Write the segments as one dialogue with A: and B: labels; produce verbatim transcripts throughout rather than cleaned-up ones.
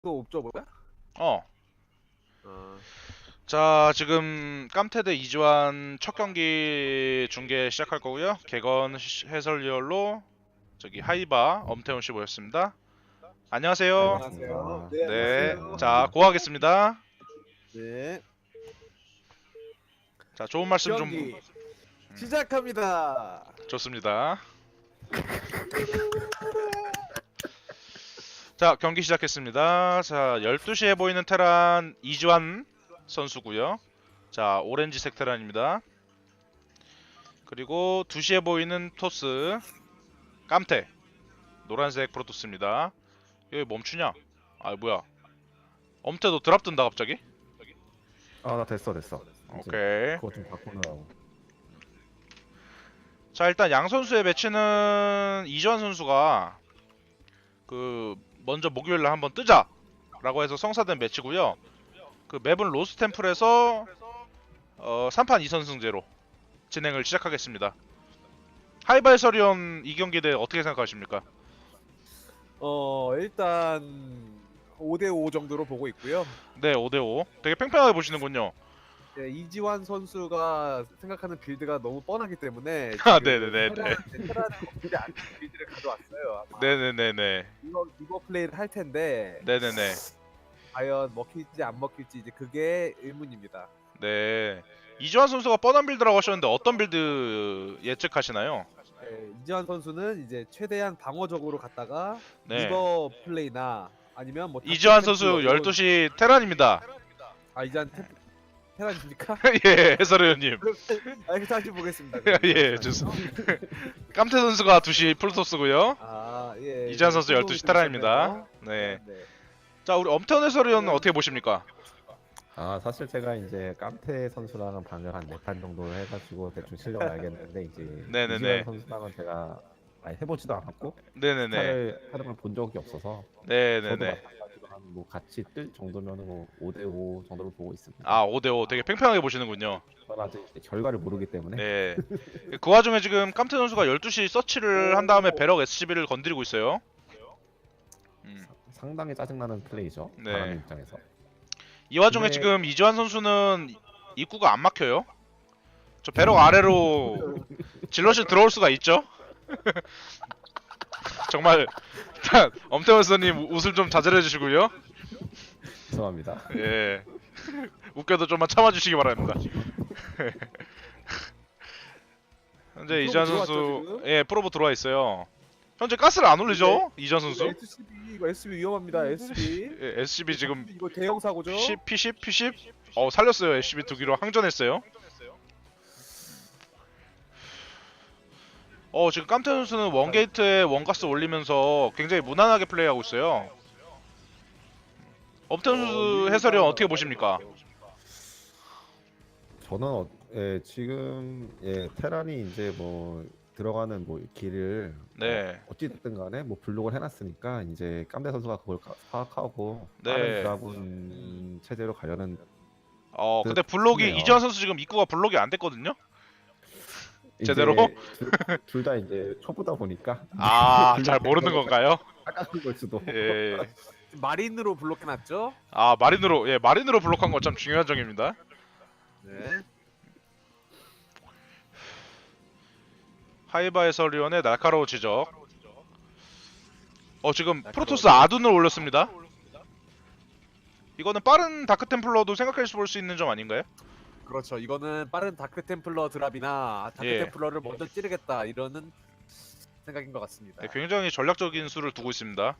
A: 또 옵저 뭐야?
B: 어.
A: 어,
B: 자, 지금 깜태대 이주환 첫 경기 중계 시작할 거고요. 개건 시- 해설위원로 저기 하이바 엄태훈 씨 모였습니다.
C: 네,
B: 안녕하세요.
A: 안녕하세요.
C: 반갑습니다.
A: 네,
B: 네.
A: 안녕하세요.
B: 자,
C: 반갑습니다.
B: 고하겠습니다.
A: 네,
B: 자, 좋은 말씀 좀
A: 경기 시작합니다.
B: 좋습니다. 자, 경기 시작했습니다. 자, 열두 시에 보이는 테란 이주환 선수고요. 자, 오렌지색 테란입니다. 그리고 두 시에 보이는 토스 깜태 노란색 프로토스입니다. 여기 멈추냐? 아 뭐야? 엄태 너 드랍 뜬다 갑자기?
C: 아, 나 됐어, 됐어. 이제
B: 오케이.
C: 그거 좀 바꾸느라고.
B: 자 일단 양 선수의 매치는 이주환 선수가 그 먼저 목요일날 한번 뜨자라고 해서 성사된 매치고요. 그 맵은 로스 템플에서 어, 삼 판 이 선승제로 진행을 시작하겠습니다. 하이바 해설위원 이 경기에 대해 어떻게 생각하십니까?
A: 어, 일단 오 대 오 정도로 보고 있고요.
B: 네, 오 대 오. 되게 팽팽하게 보시는군요.
A: 네, 이지환 선수가 생각하는 빌드가 너무 뻔하기 때문에
B: 아,
A: 지금
B: 네네네네.
A: 테란은 테란은 거의 안 빌드를 가져왔어요. 아마
B: 네네네네.
A: 이거 이거 플레이를 할 텐데
B: 네네네.
A: 과연 먹힐지 안 먹힐지 이제 그게 의문입니다.
B: 네. 이주환 선수가 뻔한 빌드라고 하셨는데 어떤 빌드 예측하시나요?
A: 네, 이지환 선수는 이제 최대한 방어적으로 갔다가
B: 네.
A: 리버 플레이나 아니면 뭐
B: 이주환
A: 다크
B: 선수
A: 템플러 이런-
B: 열두 시 테란입니다.
A: 아 이지환 테, 테란입니까?
B: 예, 해설위원님.
A: 아, 이렇게 다시 보겠습니다.
B: 예, 좋습니다. 깜태 선수가 두 시 풀토스고요.
A: 아, 예.
B: 이주환 선수 열두 시 테란입니다.
A: 있었네요.
B: 네.
A: 네.
B: 자, 우리 엄태원 해설위원은 어떻게 보십니까?
C: 아, 사실 제가 이제 깜태 선수랑은 방을 한 네 판 정도 해가지고 대충 실력을 알겠는데 이제
B: 네네네.
C: 이지환 선수랑은 제가 아예 해보지도 않았고
B: 네네네.
C: 스타를 활용을 본 적이 없어서 저도
B: 네네네.
C: 마찬가지로 한 뭐 같이 뜰 정도면 뭐 오 대 오 정도로 보고 있습니다.
B: 아, 오 대 오. 되게 팽팽하게 보시는군요.
C: 저는 아직 이제 결과를 모르기 때문에
B: 네. 그 와중에 지금 깜태 선수가 열두 시 서치를 한 다음에 배럭 에스씨비를 건드리고 있어요. 음.
C: 상당히 짜증나는 플레이죠.
B: 네.
C: 바람의 입장에서.
B: 이 와중에
C: 근데-
B: 지금 이주환 선수는 입구가 안 막혀요. 저 배럭 아래로 질럿이 들어올 수가 있죠. 정말 엄태원 선생님 웃을 좀 자제해 주시고요.
C: 죄송합니다.
B: 예. 웃겨도 좀만 참아주시기 바랍니다. 현재
A: 프로브
B: 이주환
A: 들어왔죠,
B: 선수
A: 지금?
B: 예 프로브 들어와 있어요. 현재 가스를 안 올리죠 이주환 선수.
A: 에스씨비 이거 에스씨비 위험합니다. 에스씨비.
B: 예, 에스씨비 지금
A: 이거 대형 사고죠?
B: 십, 피십, 피십? 어 살렸어요. 에스씨비 두 기로 항전했어요. 어 지금 깜태 선수는 원게이트에 원가스 올리면서 굉장히 무난하게 플레이하고 있어요. 엄태 선수 해설위원 어떻게 보십니까?
C: 저는 어, 예, 지금 예, 테란이 이제 뭐 들어가는 뭐 길을
B: 네.
C: 어, 어찌됐든 간에 뭐 블록을 해놨으니까 이제 깜대 선수가 그걸 가- 파악하고
B: 네.
C: 빠른 드라군 체제로 가려는
B: 어
C: 그-
B: 근데 블록이
C: 싶네요.
B: 이주환 선수 지금 입구가 블록이 안 됐거든요. 제대로?
C: 둘 다 이제 초보다 보니까
B: 아
C: 블록
B: 잘 모르는 건가요?
C: 깎아준 걸 수도.
B: 예.
A: 마린으로 블록해놨죠?
B: 아 마린으로 예 마린으로 블록한 거 참 중요한 점입니다.
A: 네.
B: 하이바 해설위원의 날카로운 지적. 어 지금 프로토스 아둔을 올렸습니다. 이거는 빠른 다크 템플러도 생각해 볼 수 있는 점 아닌가요?
A: 그렇죠. 이거는 빠른 다크 템플러 드랍이나 다크
B: 예.
A: 템플러를 먼저 찌르겠다 이러는 생각인 것 같습니다.
B: 네, 굉장히 전략적인 수를 두고 있습니다.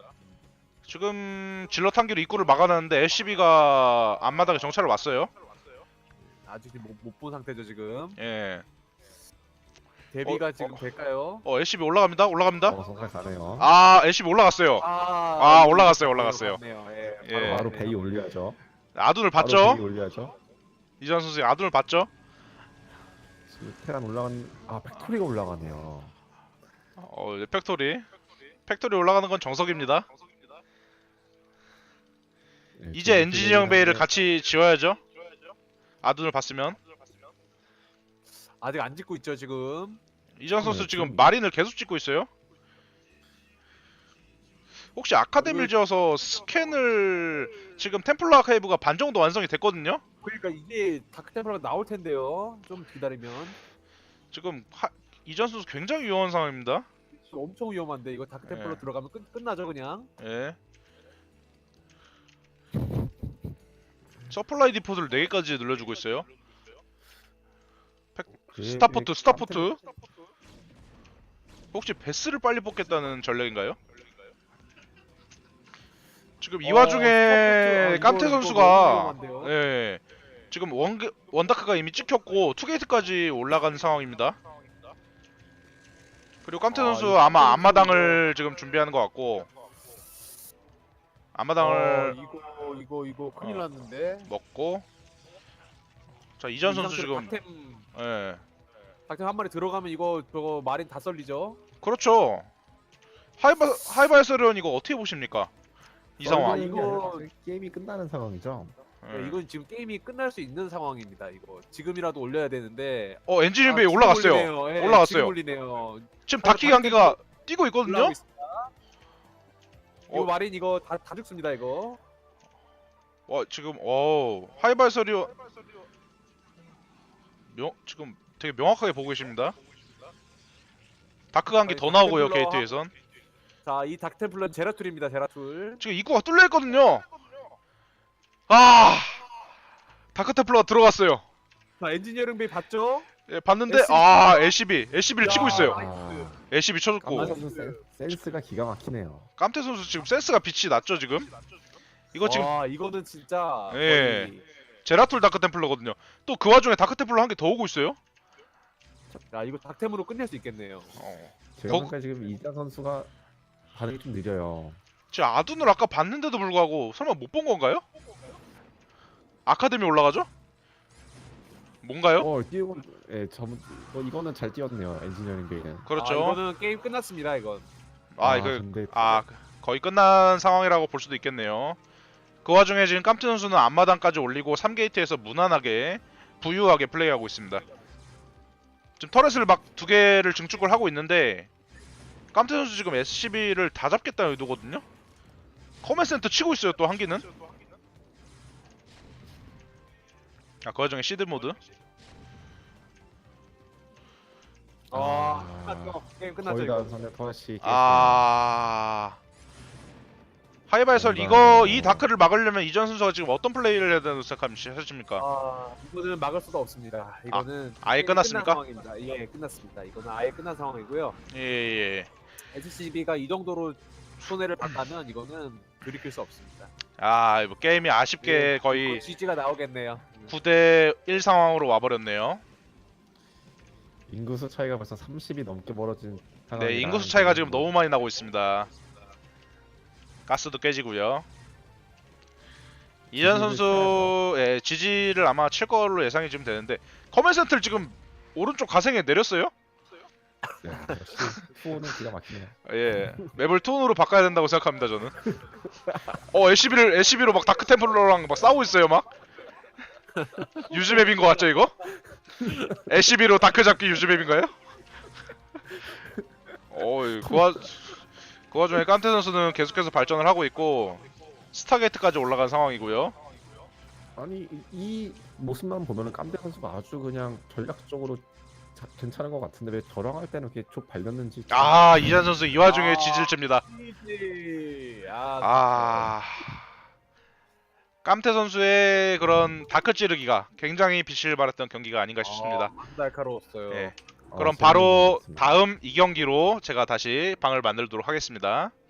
B: 지금 질럿 한 기로 입구를 막아놨는데 에스씨비가 앞마당에 정찰을 왔어요.
A: 아직 못 본 상태죠 지금.
B: 예.
A: 데뷔가
B: 어,
A: 지금
B: 어.
A: 될까요?
B: 어 에스씨비 올라갑니다. 올라갑니다.
C: 어, 정말 가네요.
B: 아 에스씨비 올라갔어요.
A: 아,
B: 아,
A: 이거
B: 올라갔어요,
A: 바로
B: 올라갔어요.
A: 갔네요. 예,
B: 예.
A: 바로
C: 바로
A: 갔네요.
C: 베이 올려야죠.
B: 아둔을
C: 바로
B: 봤죠?
C: 베이 올려야죠.
B: 이전 선수 아둔을 봤죠?
C: 지금 테란 올라간 아 팩토리가 올라가네요.
B: 어 이제 팩토리. 팩토리 올라가는 건 정석입니다.
C: 예,
B: 이제
C: 지금
B: 엔지니어링 베이를
C: 플레이하는데
B: 같이 지어야죠. 아둔을 봤으면.
A: 아직 안 짓고 있죠 지금.
B: 이전 선수
C: 네,
B: 지금
C: 지금-
B: 마린을 계속 찍고 있어요. 혹시 아카데미를 지어서 스캔을 지금 템플러 아카이브가 반 정도 완성이 됐거든요.
A: 그러니까 이게 다크템플러가 나올 텐데요. 좀 기다리면.
B: 지금 하, 이전 선수 굉장히 위험한 상황입니다.
A: 엄청 위험한데 이거 다크템플러
B: 예.
A: 들어가면 끝, 끝나죠 그냥.
B: 예. 서플라이 디포트를 네 개까지 늘려주고 있어요.
C: 그게-
B: 스타포트,
C: 그게
B: 스타포트.
C: 깜짝-
B: 혹시 베스를 빨리 뽑겠다는 전략인가요? 지금 이
A: 어,
B: 와중에
A: 스타포트, 아,
B: 깜태
A: 이거- 이거
B: 선수가
A: 너무 위험한데요?
B: 예, 지금 원 원다크가 이미 찍혔고 투게이트까지 올라간 상황입니다. 그리고 깜태
A: 아,
B: 선수
A: 이거
B: 아마
A: 깜태
B: 앞마당을 지금 준비하는 것 같고 앞마당을
A: 어, 이거 이거 이거 큰일
B: 어.
A: 났는데.
B: 먹고 자 이전
A: 이
B: 선수
A: 상태로
B: 지금
A: 닥템
B: 예,
A: 닥템 한 마리 들어가면 이거 저거 마린 다 썰리죠.
B: 그렇죠. 하이바 하이바이서리온 이거 어떻게 보십니까? 이
A: 어,
B: 상황.
C: 이거
A: 이거-
C: 이거 게임이 끝나는 상황이죠.
B: 예.
A: 네, 이건 지금 게임이 끝날 수 있는 상황입니다. 이거 지금이라도 올려야 되는데.
B: 어 엔지니어 베이
A: 아, 지금
B: 올라갔어요.
A: 올리네요. 예,
B: 올라갔어요.
A: 지금 올리네요.
B: 지금
A: 아,
B: 닭기 관계가 뛰고 있거든요.
A: 올라가고 있습니다. 이거
B: 어.
A: 마린 이거 다, 다 죽습니다 이거.
B: 와 지금 어 하이바이서리온 명 지금 되게 명확하게 보고 계십니다. 다크 관계
A: 아니,
B: 더 나오고요
A: 닥템플러.
B: 게이트에선
A: 자, 이 닥템플러는 제라툴입니다. 제라툴.
B: 지금 입구가 뚫려 있거든요. 아 다크 템플러가 들어갔어요.
A: 자, 엔지니어링 베이 봤죠?
B: 예, 봤는데
A: 에스비.
B: 아 엘시비 엘시비를
A: 야,
B: 치고 있어요.
A: 나이스.
B: 엘시비 쳐줬고
C: 깜태 선수 센- 센스가 기가 막히네요.
B: 깜태 선수 지금 센스가 빛이 났죠 지금. 이거 지금
A: 와, 이거는 진짜
B: 예.
A: 거의-
B: 제라툴 다크 템플러거든요. 또 그 와중에 다크 템플러 한 개 더 오고 있어요.
A: 야, 이거 닥템으로 끝낼 수 있겠네요.
B: 어.
C: 제가
B: 거-
C: 보니까 지금 이자 선수가 반응이 좀 느려요.
B: 제 아둔을 아까 봤는데도 불구하고 설마 못 본 건가요? 아카데미 올라가죠? 뭔가요?
C: 어, 뛰고 예, 전 어, 이거는 잘 뛰었네요. 엔지니어링 베이는.
A: 아,
B: 그렇죠.
A: 이거는 게임 끝났습니다, 이건.
B: 아, 이거
C: 근데
B: 아 거의 끝난 상황이라고 볼 수도 있겠네요. 그 와중에 지금 깜태 선수는 앞마당까지 올리고 삼 게이트에서 무난하게 부유하게 플레이하고 있습니다. 지금 터렛을 막 두 개를 증축을 하고 있는데 깜태 선수 지금 에스씨비를 다 잡겠다는 의도거든요. 커맨 센터 치고 있어요 또 한기는. 아, 그 와중에 시드 모드.
A: 아,
C: 아,
A: 끝났죠. 게임 끝났죠,
C: 거의 다
A: 이거.
C: 선에 터시.
B: 아 하이바이설
C: 뭔가
B: 이거
C: 뭐-
B: 이 다크를 막으려면 이전 선수가 지금 어떤 플레이를 해야 된다고 생각하십니까?
A: 아, 이거는 막을 수가 없습니다. 이거는
B: 아예
A: 게임이
B: 끝났습니까?
A: 끝난 상황입니다. 예, 끝났습니다. 이거는 아예 끝난 상황이고요.
B: 예예.
A: 에스씨비가 이 정도로 손해를 봤다면 이거는 돌이킬 수 없습니다.
B: 아, 뭐 게임이 아쉽게
A: 예,
B: 거의
A: 지지가 나오겠네요.
B: 구 대 일 상황으로 와버렸네요.
C: 인구수 차이가 벌써 삼십이 넘게 벌어진
B: 네,
C: 상황이라
B: 인구수 차이가 지금 너무 많이 나고 있습니다. 가스도 깨지고요. 이전
C: 지지를
B: 선수의 지지를 아마 칠 걸로 예상이 지금 되는데 커맨 센터를 지금 오른쪽 가생에 내렸어요?
C: 네, 역시 후오는 기가 막히네요.
B: 예, 맵을 톤으로 바꿔야 된다고 생각합니다 저는. 어, 엘씨비를 엘씨비로 막 다크 템플러랑 막 싸우고 있어요 막. 유즈 맵인 거 같죠 이거? 엘씨비로 다크 잡기 유즈 맵인가요? 어, 그, 와, 그 와중에 깐테 선수는 계속해서 발전을 하고 있고 스타게이트까지 올라간 상황이고요.
C: 아니 이, 이 모습만 보면은 깜대 선수가 아주 그냥 전략적으로 자, 괜찮은 것 같은데 왜 저랑 할 때는 이렇게 쭉 발렸는지. 참-
B: 아, 이잔 선수 이 와중에
A: 아.
B: 지질집니다.
A: 지지. 아,
B: 아, 깜태 선수의 그런 다크 찌르기가 굉장히 빛을 발했던 경기가 아닌가 싶습니다.
A: 아, 날카로웠어요.
B: 예.
C: 어,
B: 그럼
C: 재밌는
B: 바로
C: 것 같습니다.
B: 다음 이 경기로 제가 다시 방을 만들도록 하겠습니다.